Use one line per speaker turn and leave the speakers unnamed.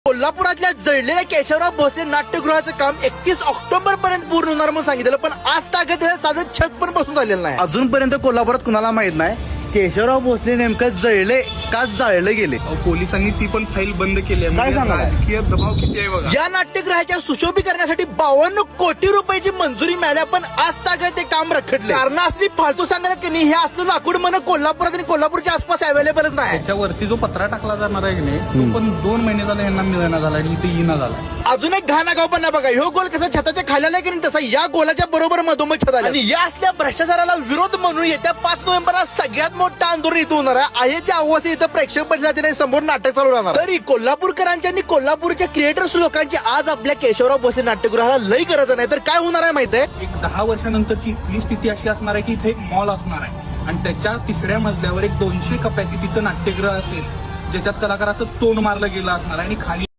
कोल्हापुरातल्या जळलेल्या केशवराव भोसले नाट्यगृहाचं काम 31 ऑक्टोबर पर्यंत पूर्ण होणार म्हणून सांगितलं, पण आज तागत साधं छत पण बसून झालेलं नाही. अजूनपर्यंत कोल्हापुरात कुणाला माहित नाही केशवराव भोसले नेमकं जळले का जाळले गेले.
पोलिसांनी ती पण फाईल बंद केली आहे.
काय सांगणार?
राजकीय दबाव किती आहे बघा.
या नाट्यगृहाच्या सुशोभीकरणासाठी 52 कोटी रुपयाची मंजुरी मिळाल्या, पण आज तागत ते काम रखडले. कारण असली फालतू सांगण्यात की नाही, हे असलं लाकूड मन कोल्हापुरात आणि कोल्हापूरच्या आसपास अवेलेबलच नाही.
त्याच्यावरती जो पत्रा टाकला जाणार आहे की नाही, तो पण 2 महिने झाला यांना मिळणं झाला आणि इथे येणं झाला.
अजून एक घाण आगाऊ पण बघा, ह्यो गोल कसा छताच्या खाली आलाय की नाही, तसा या गोलाच्या बरोबर मधोमध छत आलं. आणि या असल्या भ्रष्टाचाराला विरोध म्हणून येत्या 5 नोव्हेंबरला सगळ्यात मोठं आंदोलन इथं होणार आहे. त्या आवास इथं प्रेक्षक परिषदेने समोर नाटक चालू राहणार. तरी कोल्हापूरकरांच्या आणि कोल्हापूरच्या क्रिएटर्स लोकांची आज आपल्या केशवराव भोसले नाट्यगृहाला लई गरज नाही. तर काय होणार आहे माहिती आहे,
एक 10 वर्षानंतरची इथली स्थिती अशी असणार आहे की इथे एक मॉल असणार आहे आणि त्याच्या 3ऱ्या मजल्यावर एक 200 कपॅसिटीचं नाट्यगृह असेल, ज्याच्यात कलाकाराचं तोंड मारलं गेलं असणार आहे आणि खाली